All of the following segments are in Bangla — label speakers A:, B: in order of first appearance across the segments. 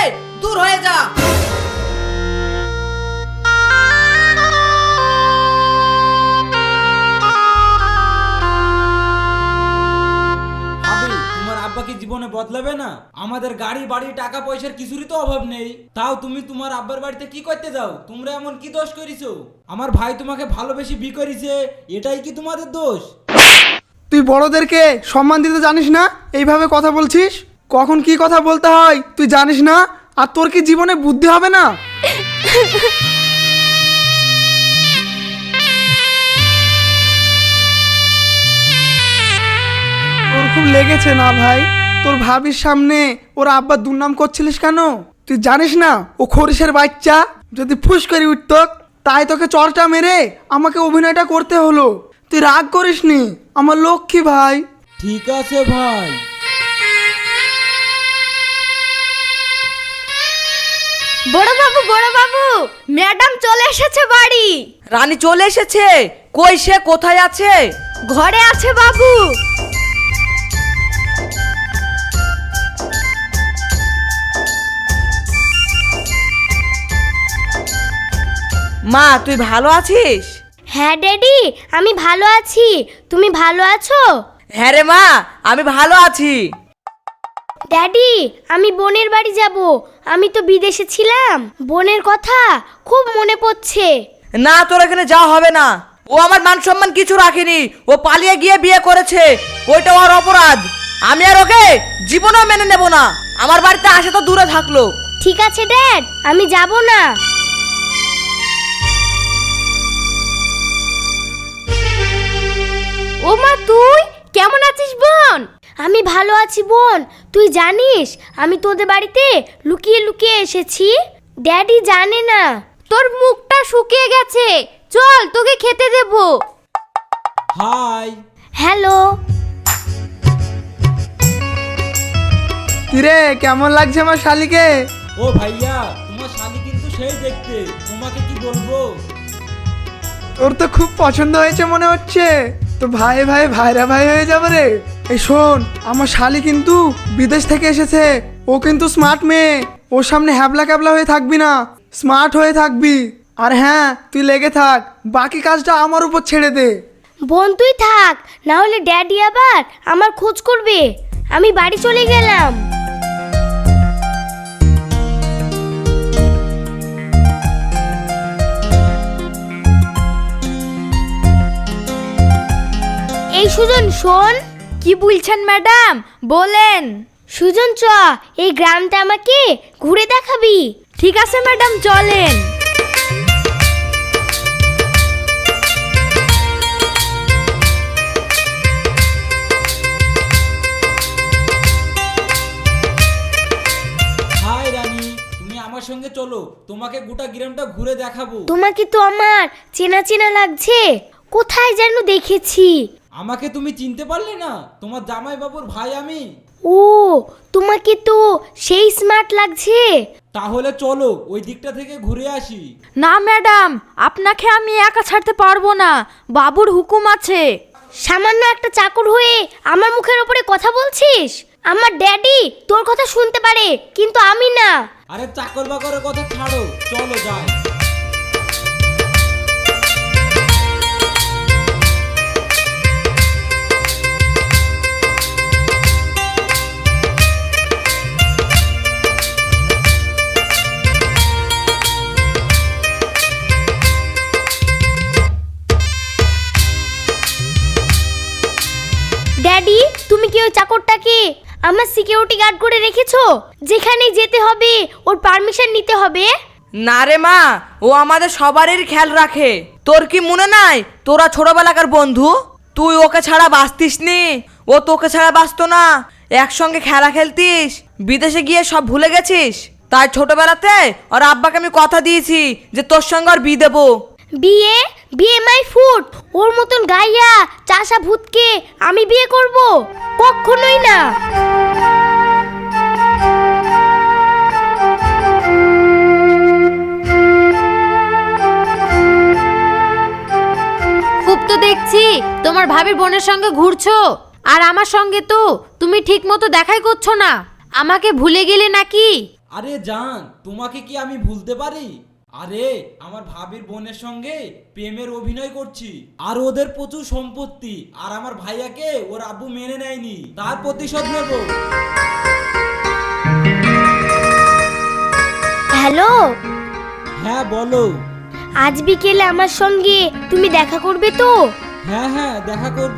A: দূর হয়ে যা।
B: তোমার আব্বা কি জীবনে বদলাবে না? আমাদের গাড়ি বাড়ি টাকা পয়সার কিছুরই তো অভাব নেই, তাও তুমি তোমার আব্বার বাড়িতে কি করতে যাও? তোমরা এমন কি দোষ করেছো? আমার ভাই তোমাকে ভালোবেসে বিয়ে করেছে, এটাই কি তোমাদের দোষ?
C: তুই বড়দেরকে সম্মান দিতে জানিস না? এইভাবে কথা বলছিস? কখন কি কথা বলতে হয় তুই জানিস না? আর তোর কি জীবনে বুদ্ধি হবে না? তোর খুব লেগেছে না ভাই? তোর ভাবির সামনে ওর আব্বার দুর্নাম করছিলিস কেন? তুই জানিস না ও খরিসের বাচ্চা? যদি ফুস করে উঠত তাই তোকে চরটা মেরে আমাকে অভিনয়টা করতে হলো। তুই রাগ করিসনি আমার লক্ষ্মী ভাই।
B: ঠিক আছে ভাই।
D: বড় বাবু, ম্যাডাম চলে এসেছে বাড়ি।
A: রানী চলে এসেছে? কই সে কোথায় আছে?
D: ঘরে আছে বাবু।
A: মা তুই ভালো আছিস?
D: হ্যাঁ ড্যাডি, আমি ভালো আছি। তুমি ভালো আছো?
A: হ্যাঁ রে মা, আমি ভালো আছি।
D: ড্যাডি, আমি বোনের বাড়ি যাব। আমি তো বিদেশে ছিলাম, বোনের কথা খুব মনে পড়ছে।
A: না, তোর এখানে যাওয়া হবে না। ও আমার মান সম্মান কিছু রাখেনি, ও পালিয়ে গিয়ে বিয়ে করেছে, ওইটা ওর অপরাধ। আমি আর ওকে জীবনেও মেনে নেব না। আমার বাড়িতে আসে তো দূরে থাকলো।
D: ঠিক আছে ড্যাড, আমি যাব না। ও মা, তুই কেমন আছিস বোন? আমি ভালো আছি বোন। তুই জানিস আমি তোদের বাড়িতে লুকিয়ে লুকিয়ে এসেছি? ড্যাডি জানে না। তোর মুখটা শুকিয়ে গেছে, চল তোকে খেতে দেব।
B: হাই।
D: হ্যালো।
C: কিরে কেমন লাগছে আমার শালিকে?
B: ও ভাইয়া, তোমার শালি কিন্তু সেই দেখতে, তোমাকে কি বলবো।
C: তোর তো খুব পছন্দ হয়েছে মনে হচ্ছে। তো ভাই ভাই ভাইরা ভাই হয়ে যাবে রে। এই শোন, আমার শালি কিন্তু বিদেশ থেকে এসেছে। ও কিন্তু স্মার্ট মেয়ে। ওর সামনে হ্যাবলা ক্যাবলা হয়ে থাকবি না, স্মার্ট হয়ে থাকবি। আর হ্যাঁ, তুই লেগে থাক, বাকি কাজটা আমার উপর ছেড়ে দে।
D: বোন তুই থাক, না হলে ড্যাডি আবার আমার খোঁজ করবে। আমি বাড়ি চলে গেলাম। এই সুজন শোন। কি বলছেন ম্যাডাম, বলেন। সুজন চ, এই গ্রামটা আমাকে ঘুরে দেখাবি। ঠিক আছে ম্যাডাম, চলেন।
B: হাই রানী, তুমি আমার সঙ্গে চলো, তোমাকে গোটা গ্রামটা ঘুরে দেখাবো।
D: তোমাকে তো আমার চেনা চেনা লাগছে, কোথায় যেন দেখেছি।
B: আমাকে তুমি চিনতে পারলে না? তোমার জামাই বাবুর ভাই আমি।
D: ও, তোমাকে তো সেই স্মার্ট লাগছে।
B: তাহলে চলো ওই দিকটা থেকে ঘুরে আসি।
E: না ম্যাডাম, আপনাকে আমি একা ছাড়তে পারবো না, বাবুর হুকুম আছে।
D: সামান্য একটা চাকর হয়ে আমার মুখের উপরে কথা বলছিস? আমার ড্যাডি তোর কথা শুনতে পারে, কিন্তু আমি না।
B: আরে চাকর বাকরের কথা ছাড়ো, চলো যাই।
D: ড্যাডি, তুমি কি ওই চাকরটাকে আমার সিকিউরিটি গার্ড করে রেখেছো? যেখানে যেতে হবে ওর পারমিশন নিতে হবে?
A: না রে মা, ও আমাদের সবারই খেয়াল রাখে। তোর কি মনে নাই তোরা ছোটবেলাকার বন্ধু? তুই ওকে ছাড়া বাঁচতিস নি, ও তোকে ছাড়া বাঁচতো না। একসঙ্গে খেলা খেলতিস, বিদেশে গিয়ে সব ভুলে গেছিস। তাই ছোটবেলাতে ওর আব্বাকে আমি কথা দিয়েছি যে তোর সঙ্গে আর বিয়ে দেবো।
D: বিয়ে? বিয়ে মাই ফুট। ওর মতন গাইয়া চাষা ভূতকে আমি বিয়ে করব? কখনোই না।
E: খুব তো দেখছি তোমার ভাবির বোনের সঙ্গে ঘুরছো, আর আমার সঙ্গে তো তুমি ঠিক মতো দেখাই করছো না। আমাকে ভুলে গেলে নাকি?
B: আরে জান, তোমাকে কি আমি ভুলতে পারি? আরে আমার ভাবির বোনের সঙ্গে প্রেমের অভিনয় করছি, আর ওদের প্রচুর সম্পত্তি, আর আমার ভাইয়াকে ওর আব্বু মেনে নেয়নি, তার প্রতিশোধ নেব।
D: হ্যালো,
B: হ্যাঁ বলো।
D: আজ বিকেলে আমার সঙ্গে তুমি দেখা করবে তো?
B: হ্যাঁ হ্যাঁ, দেখা করব।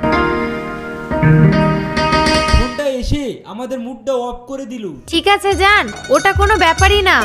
B: ফোনটা এসে আমাদের মুডটা অফ করে দিল।
E: ঠিক আছে যান, ওটা কোনো ব্যাপারই না।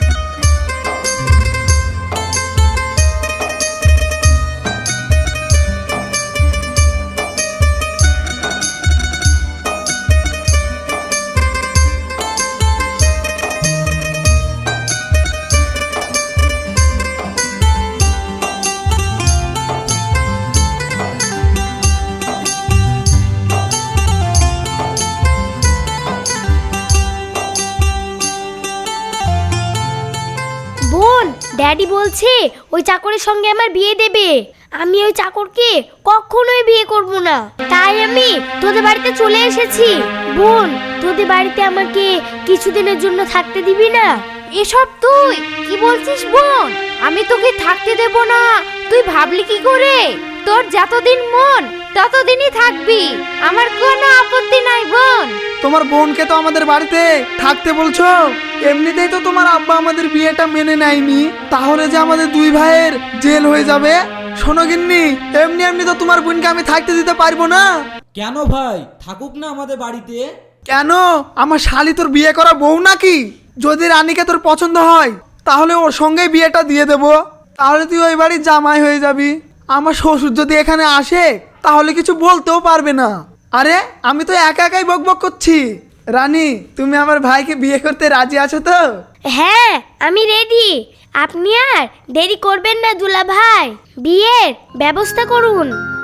D: বোন, ড্যাডি বলছে ওই চাকরের সঙ্গে আমার বিয়ে দেবে। আমি ওই চাকরকে কখনোই বিয়ে করব না, তাই আমি তোদের বাড়িতে চলে এসেছি। বোন, তোদের বাড়িতে আমাকে কিছুদিনের জন্য থাকতে দিবি না?
E: এসব তুই কি বলছিস বোন? আমি তোকে থাকতে দেব না, তুই ভাবলি কি করে? তোর যতদিন মন ততদিনই থাকবি, আমার কোনো আপত্তি নাই বোন।
C: তোমার বোনকে তো আমাদের বাড়িতে থাকতে বলছো, এমনিতেই তো তোমার আব্বা আমাদের বিয়েটা মেনে নেয়নি, তাহলে যে আমাদের দুই ভাইয়ের জেল হয়ে যাবে। শোনো গিন্নি, এমনি এমনি তো তোমার বোনকে আমি থাকতে দিতে পারবো না।
B: কেন ভাই, থাকুক না আমাদের বাড়িতে।
C: কেন? আমার শালি তোর বিয়ে করা বউ নাকি? যদি রানীকে তোর পছন্দ হয় তাহলে ওর সঙ্গেই বিয়েটা দিয়ে দেব, তাহলে তুই ওই বাড়ির জামাই হয়ে যাবি। আমার শ্বশুর যদি এখানে আসে তাহলে কিছু বলতেও পারবে না। আরে আমি তো একা একাই বকবক করছি। রানী, তুমি আমার ভাইকে বিয়ে করতে রাজি আছো তো?
D: হ্যাঁ, আমি রেডি। আপনি আর দেরি করবেন না দুলা ভাই, বিয়ের ব্যবস্থা করুন।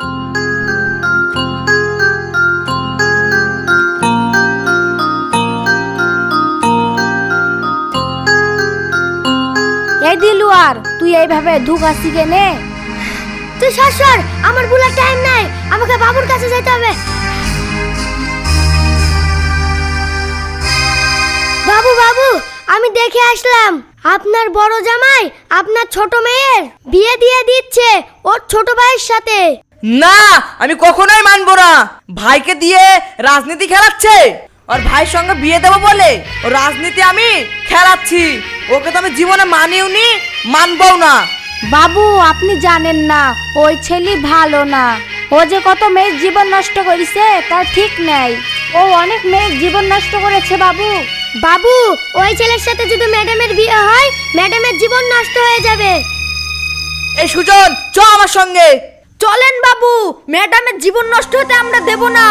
E: এই দিলু, আর তুই এইভাবে ধুকাচ্ছি কেনে?
D: তুই সর, আমার বুলার টাইম নাই, আমাকে বাবুর কাছে যেতে হবে। বাবু বাবু, আমি দেখে আসলাম আপনার বড় জামাই আপনার ছোট মেয়ের বিয়ে দিয়ে দিচ্ছে ওর ছোট ভাইয়ের সাথে।
A: না, আমি কখনোই মানবো না। ভাইকে দিয়ে রাজনীতি খেলাচ্ছে, আর ভাইয়ের সঙ্গে বিয়ে দেবো বলে ও রাজনীতি আমি খেলাচ্ছি। ওকে তো আমি জীবনে মানিও নি, মানবও না।
E: বাবু, আপনি জানেন না ওই ছেলে ভালো না, ও যে কত মেয়ের জীবন নষ্ট করেছে তার ঠিক নেই। ও অনেক মেয়ের জীবন নষ্ট করেছে বাবু।
D: বাবু, ওই ছেলের সাথে যদি ম্যাডামের বিয়ে হয় ম্যাডামের জীবন নষ্ট হয়ে যাবে।
A: এই সুজন, চ আমার সঙ্গে।
E: চলেন বাবু, ম্যাডামের জীবন নষ্ট হতে আমরা দেব না।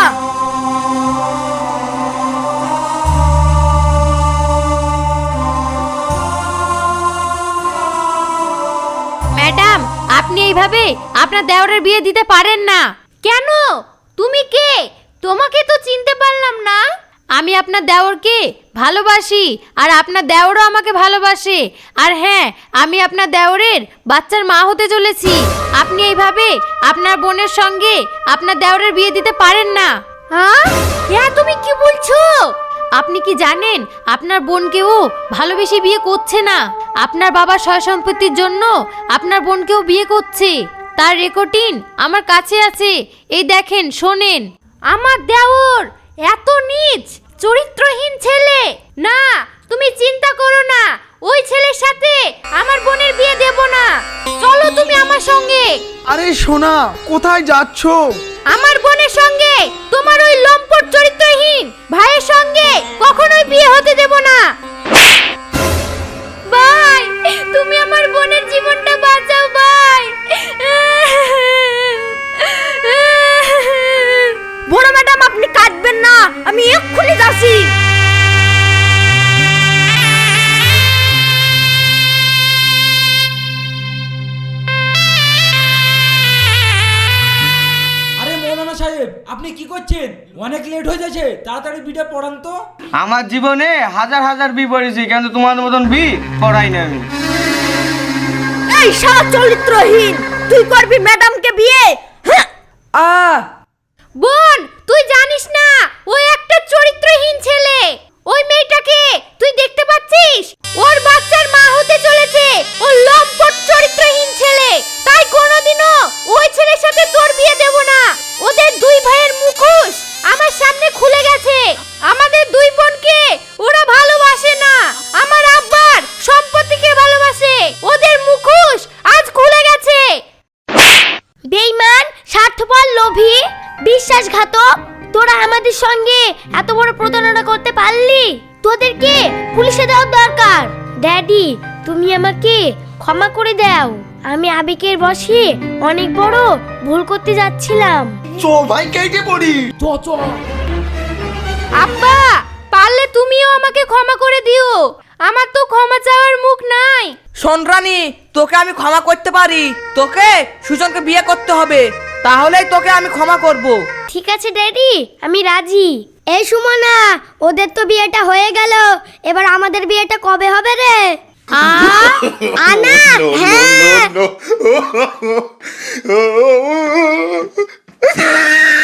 E: ম্যাডাম, আপনি এইভাবে আপনার দেওরের বিয়ে দিতে পারেন না। কেন? তুমি কে? তোমাকে তো চিনতে পারলাম না। আমি আপনার দেওরকে ভালোবাসি, আর আপনার দেওরও আমাকে ভালোবাসে। আর হ্যাঁ, আমি আপনার দেওরের বাচ্চার মা হতে চলেছি। আপনি এইভাবে আপনার বোনের সঙ্গে আপনার দেওরের বিয়ে দিতে পারেন না। হ্যাঁ, তুমি কি বলছো? আপনি কি জানেন আপনার বোনকেও ভালোবেসে বিয়ে করছে না? আপনার বাবা সয় সম্পত্তির জন্য আপনার বোনকেও বিয়ে করছে, তার রেকর্ডিং আমার কাছে আছে। এই দেখেন, শোনেন। আমার দেওর এত নীচ চরিত্রহীন ছেলে না, তুমি চিন্তা করো না, ওই ছেলের সাথে আমার বোনের বিয়ে দেব না। চলো তুমি আমার সঙ্গে।
C: আরে সোনা, কোথায় যাচ্ছো?
E: আমার বোনের সঙ্গে তোমার ওই লম্পট চরিত্রহীন ভাইয়ের সঙ্গে কখনোই বিয়ে হতে দেব না। ভাই, তুমি আমার বোনের জীবনটা বাঁচাও ভাই। বড় ম্যাডাম, আপনি কাঁদবেন না, আমি এক্ষুনি যাচ্ছি।
B: আরে মৌলানা সাহেব, আপনি কি করছেন? অনেক লেট হয়ে যাচ্ছে, তাড়াতাড়ি বিটা পড়ান তো।
F: আমার জীবনে হাজার হাজার বি পড়েছি, কিন্তু তোমাদের মতন বি পড়াই না আমি।
E: এই শালা চরিত্রহীন, তুই করবি ম্যাডামকে বিয়ে? বোন, তুই জানিস না ও একটা চরিত্রহীন ছেলে। ওই মেয়েটাকে তুই দেখতে পাচ্ছিস?
D: দিদির সঙ্গে এত বড় প্রতারণা করতে পারলি? তোদেরকে পুলিশে দেওয়ার দরকার। ড্যাডি, তুমি আমাকে ক্ষমা করে দাও। আমি আবেগের বশে অনেক বড় ভুল করতে যাচ্ছিলাম।
E: আব্বা, পারলে তুমিও আমাকে ক্ষমা করে দিও। আমার তো ক্ষমা চাওয়ার মুখ নাই।
A: শোন রানী, তোকে আমি ক্ষমা করতে পারি। তোকে সুজনকে বিয়ে করতে হবে, তাহলেই তোকে আমি ক্ষমা করব।
D: ঠিক আছে ড্যাডি, আমি রাজি। এই সুমনা, ওদের তো বিয়েটা হয়ে গেল, এবার আমাদের বিয়েটা কবে হবে রে? আনা, হ্যাঁ।